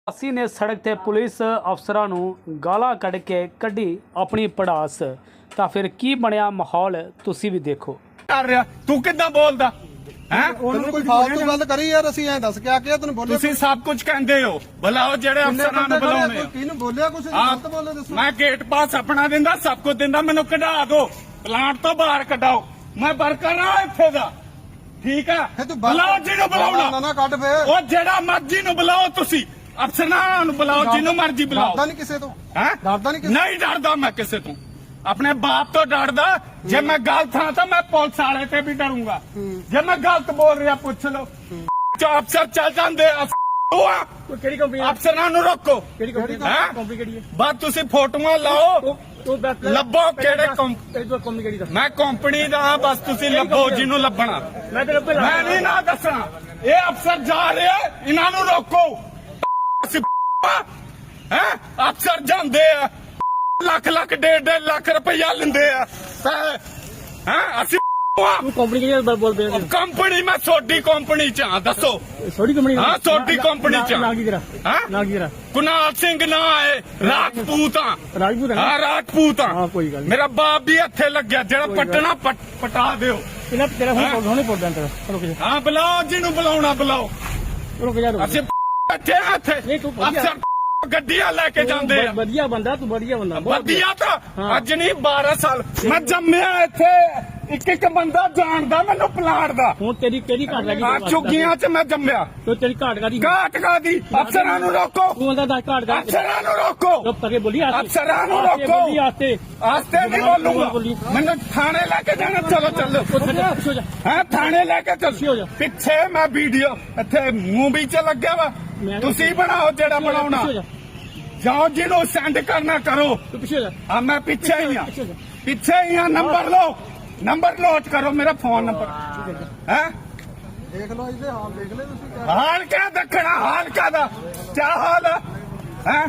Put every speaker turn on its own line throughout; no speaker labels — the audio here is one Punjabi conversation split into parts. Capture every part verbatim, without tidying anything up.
ਅਸੀਂ ਨੇ ਸੜਕ ਤੇ ਪੁਲਿਸ ਅਫਸਰਾਂ ਨੂੰ ਗਾਲਾਂ ਕੱਢ ਕੇ ਕੱਢੀ ਆਪਣੀ ਪੜਾਸ ਤਾਂ ਫਿਰ ਕੀ ਬਣਿਆ ਮਾਹੌਲ ਤੁਸੀਂ ਵੀ ਦੇਖੋ।
ਕਰ ਰਿਹਾ ਤੂੰ ਕਿੱਦਾਂ ਬੋਲਦਾ ਹੈ?
ਤੈਨੂੰ ਕੋਈ ਫਾਲਤੂ ਗੱਲ ਕਰੀ ਯਾਰ, ਅਸੀਂ ਐਂ ਦੱਸ ਕੇ ਆ ਕੇ ਤੈਨੂੰ ਬੋਲੇ
ਤੁਸੀਂ ਸਭ ਕੁਝ ਕਹਿੰਦੇ ਹੋ, ਬੁਲਾਓ ਜਿਹੜੇ ਅਫਸਰਾਂ ਨੂੰ ਬੁਲਾਉਣੇ ਆ।
ਕਿਹਨੂੰ ਬੋਲਿਆ ਕੁਛ
ਆਹ,
ਗਲਤ ਬੋਲੇ ਦੱਸੋ।
ਮੈਂ ਗੇਟ ਪਾਸ ਆਪਣਾ ਦਿੰਦਾ, ਸਭ ਕੁਝ ਦਿੰਦਾ, ਮੈਨੂੰ ਕਢਾ ਦਿਓ, ਪਲਾਂਟ ਤੋਂ ਬਾਹਰ ਕਢਾਓ। ਮੈਂ ਵਰਕਰ ਆ ਇੱਥੇ ਦਾ, ਠੀਕ ਆ?
ਫਿਰ ਤੂੰ
ਬੁਲਾਓ ਜਿਹਨੂੰ
ਨਾ
ਬੁਲਾਉਣਾ,
ਨਾ ਕੱਢ ਫੇਰ।
ਉਹ ਜਿਹੜਾ ਮਰਜ਼ੀ ਨੂੰ ਬੁਲਾਓ, ਤੁਸੀਂ ਅਫਸਰਾਂ ਨੂੰ ਬੁਲਾਓ, ਜਿਹਨੂੰ ਮਰਜ਼ੀ ਬੁਲਾਓ।
ਡਰਦਾ ਨਹੀਂ ਕਿਸੇ ਤੋਂ?
ਹੈ
ਡਰਦਾ ਨਹੀਂ ਕਿਸੇ
ਨਹੀਂ ਡਰਦਾ ਮੈਂ ਕਿਸੇ ਤੋਂ, ਆਪਣੇ ਬਾਪ ਤੋਂ ਡਰਦਾ। ਜੇ ਮੈਂ ਗਲਤ ਹਾਂ ਤਾਂ ਮੈਂ ਪੁਲਿਸ ਵਾਲੇ ਤੇ ਵੀ ਡਰੂੰਗਾ। ਜੇ ਮੈਂ ਗਲਤ ਬੋਲ ਰਿਹਾ ਪੁੱਛ ਲਓ। ਅਫਸਰ ਚੱਲ ਜਾਂਦੇ ਆ,
ਕਿਹੜੀ ਕੰਪਨੀ?
ਅਫਸਰਾਂ ਨੂੰ ਰੋਕੋ।
ਕਿਹੜੀ ਕੰਪਨੀ?
ਹੈਂ?
ਕੰਪਨੀ ਕਿਹੜੀ ਹੈ?
ਬਸ ਤੁਸੀਂ ਫੋਟੋਆਂ ਲਾਓ, ਲੱਭੋ ਕਿਹੜੇ
ਕੰਪਨੀ ਕਿਹੜੀ ਦਾ?
ਮੈਂ ਕੰਪਨੀ ਦਾ ਹਾਂ, ਬਸ ਤੁਸੀਂ ਲੱਭੋ ਜਿਹਨੂੰ ਲੱਭਣਾ।
ਮੈਂ ਤੇਰੇ ਉੱਤੇ
ਮੈਂ ਨਹੀਂ ਨਾ ਦੱਸਣਾ। ਇਹ ਅਫਸਰ ਜਾ ਰਿਹਾ, ਇਹਨਾਂ ਨੂੰ ਰੋਕੋ। ਹੈ ਅਫਸਰ ਜਾਂਦੇ ਆ, ਲੱਖ ਲੱਖ ਡੇਢ ਡੇਢ ਲੱਖ ਰੁਪਇਆ ਲੈਂਦੇ ਆ। ਹੈ ਅਸੀਂ
ਤੂੰ ਕੰਪਨੀ ਕਿਹੜੀ ਦਾ ਬੋਲ ਪਿਆ?
ਕੰਪਨੀ ਮੈਂ ਛੋਟੀ ਕੰਪਨੀ ਚ ਹਾਂ, ਦੱਸੋ।
ਛੋਟੀ ਕੰਪਨੀ?
ਹਾਂ ਛੋਟੀ ਕੰਪਨੀ ਚ
ਨਾ ਕੀ ਤੇਰਾ?
ਹਾਂ
ਨਾ ਕੀ ਤੇਰਾ?
ਕੁਨਾਲ ਸਿੰਘ ਨਾ ਹੈ, ਰਾਜਪੂਤ ਆ।
ਰਾਜਪੂਤ?
ਹਾਂ ਰਾਜਪੂਤ
ਹਾਂ
ਆ।
ਕੋਈ ਗੱਲ ਨਹੀਂ।
ਮੇਰਾ ਬਾਪ ਵੀ ਇੱਥੇ ਲੱਗਿਆ, ਜਿਹੜਾ ਪਟਣਾ ਪਟਾ ਦਿਓ।
ਇਹਨਾਂ ਤੇਰਾ ਹੁਣ ਹੁਣੇ ਪੋੜਦਾ ਤੇਰਾ। ਰੁਕ ਜਾ
ਹਾਂ ਬੁਲਾਓ ਜਿਹਨੂੰ ਬੁਲਾਉਣਾ, ਬੁਲਾਓ।
ਰੁਕ ਜਾ ਰੁਕ
ਅਸੀਂ ਇੱਥੇ ਆ, ਇੱਥੇ
ਨਹੀਂ ਤੂੰ ਵਧੀਆ-
ਅਫਸਰ ਗੱਡੀਆਂ ਲੈ ਕੇ ਜਾਂਦੇ ਆ।
ਵਧੀਆ ਬੰਦਾ ਤੂੰ, ਵਧੀਆ ਬੰਦਾ, ਬਹੁਤ
ਵਧੀਆ ਤਾਂ
ਹਾਂ।
ਅੱਜ ਨਹੀਂ ਬਾਰਾਂ ਸਾਲ ਮੈਂ ਜੰਮਿਆ ਇੱਥੇ, ਇੱਕ ਇੱਕ ਬੰਦਾ ਜਾਣਦਾ ਮੈਨੂੰ ਪਲਾਟ ਦਾ।
ਹੁਣ ਤੇਰੀ ਕਿਹੜੀ ਘਾਟ ਲੱਗੀ?
ਆ ਚੁੱਗੀਆਂ ਚ ਮੈਂ ਜੰਮਿਆ।
ਤੂੰ ਤੇਰੀ ਘਾਟ ਕਾਦੀ?
ਘਾਟ ਕਾਦੀ? ਅਫਸਰਾਂ ਨੂੰ ਰੋਕੋ,
ਤੂੰ ਬੰਦਾ ਦੱਸ ਘਾਟ ਕਾਦੀ?
ਅਫਸਰਾਂ ਨੂੰ ਰੋਕੋ।
ਚੁੱਪ ਕਰਕੇ ਬੋਲੀ। ਆਸਤੇ
ਅਫਸਰਾਂ ਨੂੰ
ਆਸਤੇ
ਰੋਕੋ।
ਬੋਲੀ, ਆਸਤੇ
ਆਸਤੇ ਨਹੀਂ ਬੋਲੂਗਾ, ਮੈਨੂੰ ਥਾਣੇ ਲੈ ਕੇ ਜਾਣਾ। ਚਲੋ ਚੱਲੋ,
ਉੱਥੇ ਜਾ, ਪਿੱਛੇ ਹੋ ਜਾ।
ਹਾਂ ਥਾਣੇ ਲੈ ਕੇ
ਪਿੱਛੇ ਹੋ ਜਾ।
ਚੱਲ। ਪਿੱਛੇ ਮੈਂ ਵੀਡੀਓ ਇੱਥੇ ਮੂਵੀ ਚ ਲੱਗਿਆ ਵਾ,
ਮੈਂ-
ਤੁਸੀਂ ਬਣਾਓ ਜਿਹੜਾ ਬਣਾਉਣਾ।
ਪਿੱਛੇ ਹੋ ਜਾ,
ਜਾਓ ਜਿਹਨੂੰ ਸੈਂਡ ਕਰਨਾ ਕਰੋ।
ਤੂੰ ਪਿੱਛੇ ਹੋ ਜਾ।
ਆ ਮੈਂ ਪਿੱਛੇ ਹੀ ਆ,
ਪਿੱਛੇ ਹੋ ਜਾ।
ਪਿੱਛੇ ਹੀ ਆ। ਨੰਬਰ ਲਓ, ਨੰਬਰ ਨੋਟ ਕਰੋ, ਮੇਰਾ ਫੋਨ ਨੰਬਰ ਹੈ।
ਦੇਖ ਲਓ ਇਹਦੇ ਹਾਲ ਦੇਖ ਲੈ ਤੁਸੀਂ ਕਿਆ।
ਹਾਲ ਕਿਆ ਦੇਖਣਾ, ਹਾਲ ਕਾਦਾ? ਕਿਆ ਹਾਲ ਹੈ?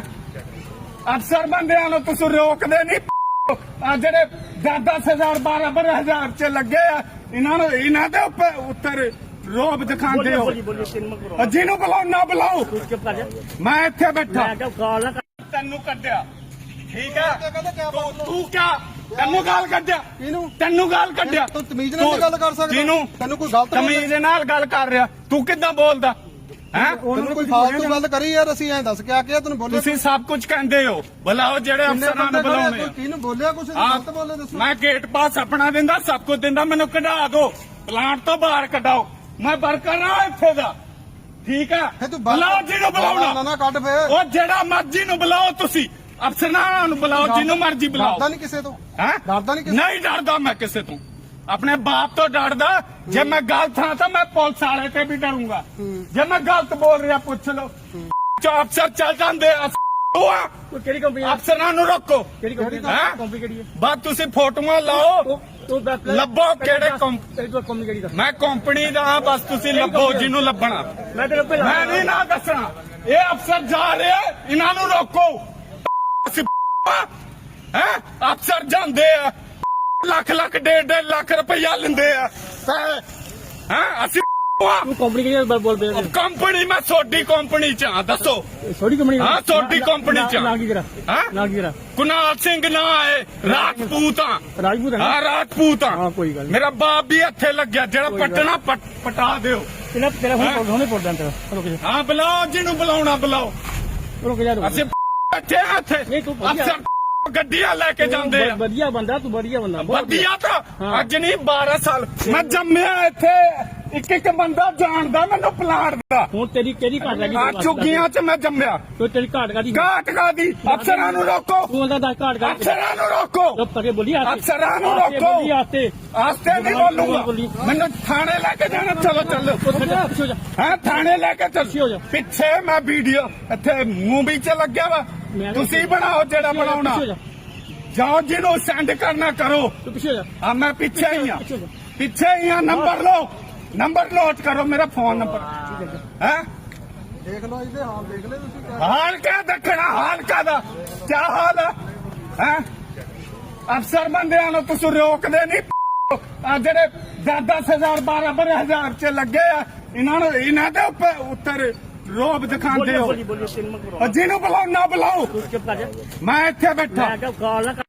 ਅਫਸਰ ਬੰਦਿਆਂ ਨੂੰ ਤੁਸੀਂ ਰੋਕਦੇ ਨਹੀਂ। ਆ ਜਿਹੜੇ ਦਸ ਦਸ ਹਜ਼ਾਰ ਬਾਰਾਂ ਬਾਰਾਂ ਹਜ਼ਾਰ ਚ ਲੱਗੇ ਆ, ਇਹਨਾਂ ਨੂੰ ਇਹਨਾਂ ਦੇ ਉੱਪਰ ਉੱਤਰ ਰੋਬ ਦਿਖਾਉਂਦੇ ਹੋ।
ਬੋਲੀ ਬੋਲੀ ਤਿੰਨ ਮਕ ਕਰੋ।
ਜਿਹਨੂੰ ਬੁਲਾਓ ਨਾ ਬੁਲਾਓ,
ਤੂੰ ਚੁੱਪ ਕਰ ਜਾ।
ਮੈਂ ਇੱਥੇ ਬੈਠਾ।
ਮੈਂ ਕਿਹਾ ਕਾਲ ਨਾ ਕਰ।
ਤੈਨੂੰ ਕੱਢਿਆ, ਠੀਕ ਹੈ?
ਕਹਿੰਦਾ ਕਿਆ
ਤੂੰ
ਬਾਤ
ਤੂੰ ਕਿਆ ਤੈਨੂੰ ਗਾਲ ਕੱਢਿਆ?
ਕਿਹਨੂੰ?
ਤੈਨੂੰ ਗਾਲ ਕੱਢਿਆ?
ਤੂੰ ਤਮੀਜ਼ ਨਾਲ ਗੱਲ ਕਰ ਸਕਦਾ?
ਕਿਹਨੂੰ?
ਤੈਨੂੰ ਕੋਈ ਗਲਤ
ਤਮੀਜ਼ ਨਾਲ ਗੱਲ ਕਰ ਰਿਹਾ, ਤੂੰ ਕਿੱਦਾਂ ਬੋਲਦਾ ਹੈ?
ਤੈਨੂੰ ਕੋਈ ਫਾਲਤੂ ਗੱਲ ਕਰੀ ਯਾਰ, ਅਸੀਂ ਐਂ ਦੱਸ ਕੇ ਆ ਕੇ ਤੈਨੂੰ ਬੋਲੇ।
ਤੁਸੀਂ ਸਭ ਕੁਝ ਕਹਿੰਦੇ ਹੋ, ਬੁਲਾਓ ਜਿਹੜੇ ਅਫਸਰਾਂ ਨੂੰ ਬੁਲਾਉਣੇ ਆ।
ਕਿਹਨੂੰ ਬੋਲਿਆ ਕੁਛ
ਆਹ,
ਗਲਤ ਬੋਲੇ ਦੱਸੋ।
ਮੈਂ ਗੇਟ ਪਾਸ ਆਪਣਾ ਦਿੰਦਾ, ਸਭ ਕੁਝ ਦਿੰਦਾ, ਮੈਨੂੰ ਕਢਾ ਦਿਓ, ਪਲਾਂਟ ਤੋਂ ਬਾਹਰ ਕਢਾਓ। ਮੈਂ ਵਰਕਰ ਆ ਇੱਥੇ ਦਾ, ਠੀਕ ਆ?
ਫਿਰ ਤੂੰ
ਬੁਲਾਓ ਜਿਹਨੂੰ
ਨਾ
ਬੁਲਾਉਣਾ,
ਨਾ ਕੱਢ ਫੇਰ।
ਉਹ ਜਿਹੜਾ ਮਰਜ਼ੀ ਨੂੰ ਬੁਲਾਓ, ਤੁਸੀਂ ਅਫਸਰਾਂ ਨੂੰ ਬੁਲਾਓ, ਜਿਹਨੂੰ ਮਰਜ਼ੀ ਬੁਲਾਓ।
ਡਰਦਾ ਨਹੀਂ ਕਿਸੇ ਤੋਂ?
ਹੈ
ਡਰਦਾ ਨਹੀਂ ਕਿਸੇ
ਨਹੀਂ ਡਰਦਾ ਮੈਂ ਕਿਸੇ ਤੋਂ, ਆਪਣੇ ਬਾਪ ਤੋਂ ਡਰਦਾ। ਜੇ ਮੈਂ ਗਲਤ ਹਾਂ ਤਾਂ ਮੈਂ ਪੁਲਿਸ ਵਾਲੇ ਤੇ ਵੀ ਡਰੂੰਗਾ। ਜੇ ਮੈਂ ਗਲਤ ਬੋਲ ਰਿਹਾ ਪੁੱਛ ਲਓ। ਅਫਸਰ ਚੱਲ ਜਾਂਦੇ ਆ,
ਤੂੰ ਕਿਹੜੀ ਕੰਪਨੀ?
ਅਫਸਰਾਂ ਨੂੰ ਰੋਕੋ।
ਕਿਹੜੀ ਕੰਪਨੀ?
ਹੈਂ?
ਕੰਪਨੀ ਕਿਹੜੀ ਹੈ?
ਬਸ ਤੁਸੀਂ ਫੋਟੋਆਂ ਲਾਓ,
ਤੂੰ ਦੱਸ
ਲੱਭੋ ਕਿਹੜੇ ਕੰਪ
ਤੇਰੀ ਕੰਪਨੀ ਕਿਹੜੀ ਦਾ?
ਮੈਂ ਕੰਪਨੀ ਦਾ ਹਾਂ, ਬਸ ਤੁਸੀਂ ਲੱਭੋ ਜਿਹਨੂੰ ਲੱਭਣਾ।
ਮੈਂ ਤੇਰੇ ਉੱਤੇ
ਮੈਂ ਨਹੀਂ ਨਾ ਦੱਸਣਾ। ਇਹ ਅਫਸਰ ਜਾ ਰਿਹਾ, ਇਹਨਾਂ ਨੂੰ ਰੋਕੋ। ਹੈ ਅਫਸਰ ਜਾਂਦੇ ਆ, ਲੱਖ ਲੱਖ ਡੇਢ ਡੇਢ ਲੱਖ ਰੁਪਇਆ ਲੈਂਦੇ ਆ। ਹੈ ਅਸੀਂ
ਤੂੰ ਕੰਪਨੀ ਕਿਹੜੀ ਦਾ ਬੋਲ ਪਿਆ?
ਕੰਪਨੀ ਮੈਂ ਛੋਟੀ ਕੰਪਨੀ ਚ ਹਾਂ, ਦੱਸੋ।
ਛੋਟੀ ਕੰਪਨੀ?
ਹਾਂ ਛੋਟੀ ਕੰਪਨੀ ਚ
ਨਾ ਕੀ ਤੇਰਾ?
ਹਾਂ
ਨਾ ਕੀ ਤੇਰਾ?
ਕੁਨਾਲ ਸਿੰਘ ਨਾ ਹੈ, ਰਾਜਪੂਤ ਆ।
ਰਾਜਪੂਤ?
ਹਾਂ ਰਾਜਪੂਤ
ਹਾਂ
ਆ।
ਕੋਈ ਗੱਲ ਨਹੀਂ।
ਮੇਰਾ ਬਾਪ ਵੀ ਇੱਥੇ ਲੱਗਿਆ, ਜਿਹੜਾ ਪਟਣਾ ਪਟਾ ਦਿਓ।
ਇਹਨਾਂ ਤੇਰਾ ਹੁਣ ਹੁਣੇ ਪੋੜਦਾ ਤੇਰਾ। ਰੁਕ ਜਾ
ਹਾਂ ਬੁਲਾਓ ਜਿਹਨੂੰ ਬੁਲਾਉਣਾ, ਬੁਲਾਓ।
ਰੁਕ ਜਾ ਰੁਕ ਜਾ।
ਅਸੀਂ ਇੱਥੇ ਆ, ਇੱਥੇ
ਨਹੀਂ ਤੂੰ ਵਧੀਆ-
ਅਫਸਰ ਗੱਡੀਆਂ ਲੈ ਕੇ ਜਾਂਦੇ ਆ।
ਵਧੀਆ ਬੰਦਾ ਤੂੰ, ਵਧੀਆ ਬੰਦਾ, ਬਹੁਤ
ਵਧੀਆ ਤਾਂ
ਹਾਂ।
ਅੱਜ ਨਹੀਂ ਬਾਰਾਂ ਸਾਲ ਮੈਂ ਜੰਮਿਆ ਇੱਥੇ, ਇੱਕ ਇੱਕ ਬੰਦਾ ਜਾਣਦਾ ਮੈਨੂੰ ਪਲਾਟ ਦਾ।
ਹੁਣ ਤੇਰੀ ਕਿਹੜੀ ਘਾਟ ਲੱਗੀ?
ਆ ਚੁੱਗੀਆਂ ਚ ਮੈਂ ਜੰਮਿਆ।
ਤੂੰ ਤੇਰੀ ਘਾਟ ਕਾਦੀ?
ਘਾਟ ਕਾਦੀ? ਅਫਸਰਾਂ ਨੂੰ ਰੋਕੋ,
ਤੂੰ ਬੰਦਾ ਦੱਸ ਘਾਟ ਕਾਦੀ?
ਅਫਸਰਾਂ ਨੂੰ ਰੋਕੋ।
ਚੁੱਪ ਕਰਕੇ ਬੋਲੀ। ਆਸਤੇ
ਅਫਸਰਾਂ ਨੂੰ
ਆਸਤੇ
ਰੋਕੋ।
ਬੋਲੀ, ਆਸਤੇ
ਆਸਤੇ ਨਹੀਂ ਬੋਲੂਗਾ, ਮੈਨੂੰ ਥਾਣੇ ਲੈ ਕੇ ਜਾਣਾ। ਚਲੋ ਚੱਲੋ,
ਉੱਥੇ ਜਾ, ਪਿੱਛੇ ਹੋ ਜਾ।
ਹਾਂ ਥਾਣੇ ਲੈ ਕੇ
ਪਿੱਛੇ ਹੋ ਜਾ।
ਚੱਲ। ਪਿੱਛੇ ਮੈਂ ਵੀਡੀਓ ਇੱਥੇ ਮੂਵੀ ਚ ਲੱਗਿਆ ਵਾ,
ਮੈਂ-
ਤੁਸੀਂ ਬਣਾਓ ਜਿਹੜਾ ਬਣਾਉਣਾ।
ਪਿੱਛੇ ਹੋ ਜਾ,
ਜਾਓ ਜਿਹਨੂੰ ਸੈਂਡ ਕਰਨਾ ਕਰੋ।
ਤੂੰ ਪਿੱਛੇ ਹੋ ਜਾ।
ਆ ਮੈਂ ਪਿੱਛੇ ਹੀ ਆ,
ਪਿੱਛੇ ਹੋ ਜਾ।
ਪਿੱਛੇ ਹੀ ਆ। ਨੰਬਰ ਲਓ, ਨੰਬਰ ਨੋਟ ਕਰੋ, ਮੇਰਾ ਫੋਨ ਨੰਬਰ ਹੈ।
ਦੇਖ ਲਓ ਇਹਦੇ ਹਾਲ ਦੇਖ ਲੈ ਤੁਸੀਂ ਕਿਆ।
ਹਾਲ ਕਿਆ ਦੇਖਣਾ, ਹਾਲ ਕਾਦਾ? ਕਿਆ ਹਾਲ ਹੈ? ਅਫਸਰ ਬੰਦਿਆਂ ਨੂੰ ਤੁਸੀਂ ਰੋਕਦੇ ਨਹੀਂ। ਆ ਜਿਹੜੇ ਦਸ ਦਸ ਹਜ਼ਾਰ ਬਾਰਾਂ ਬਾਰਾਂ ਹਜ਼ਾਰ ਚ ਲੱਗੇ ਆ, ਇਹਨਾਂ ਨੂੰ ਇਹਨਾਂ ਦੇ ਉੱਪਰ ਉੱਤਰ ਰੋਬ ਦਿਖਾਉਂਦੇ ਹੋ
ਬੋਲੀ ਬੋਲੀ ਸਿਨਮਾ ਕਰੋ
ਉਹ ਜਿਹਨੂੰ ਬੁਲਾਓ ਨਾ ਬੁਲਾਓ
ਚੁੱਪ ਕਰ ਜਾ
ਮੈਂ ਇੱਥੇ ਬੈਠਾ
ਮੈਂ ਕਿਹਾ ਕਾਲ ਨਾ